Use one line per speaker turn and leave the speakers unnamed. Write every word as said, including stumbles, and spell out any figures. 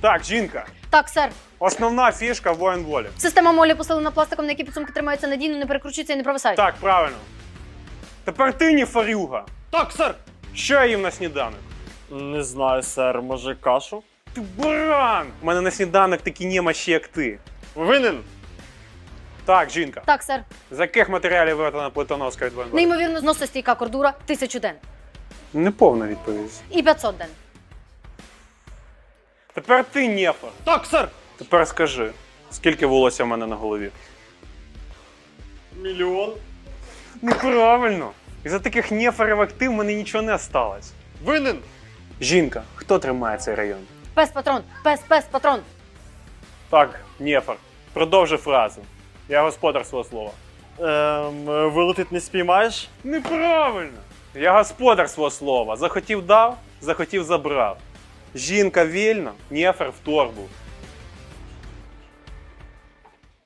Так, жінка.
Так, сер.
Основна фішка воєнволі.
Система молі посилена пластиком, на якій підсумки тримаються надійно, не перекручуються і не провисають.
Так, правильно. Тепер ти не фарюга.
Так, сер.
Що я їм на сніданок?
Не знаю, сер, може кашу?
Ти баран! У мене на сніданок такі немощі, як ти.
Винен.
Так, жінка.
Так, сер.
З яких матеріалів виготовлена плитоноска від воєнволі?
Неймовірно зносостійка кордура тисячу ден.
Неповна відповідь.
І п'ятсот ден.
Тепер ти нефар.
Так, сер.
Тепер скажи, скільки волосся в мене на голові?
Мільйон.
Неправильно. Із-за таких нефарів, як ти, в мене нічого не осталось.
Винен.
Жінка, хто тримає цей район?
Пес-патрон, пес-пес-патрон.
Так, нефар. Продовжи фразу. Я господар свого слова.
Ем, вилетить не спіймаєш?
Неправильно. Я господар свого слова. Захотів дав, захотів забрав. Жінка вільно, нефар в торбу.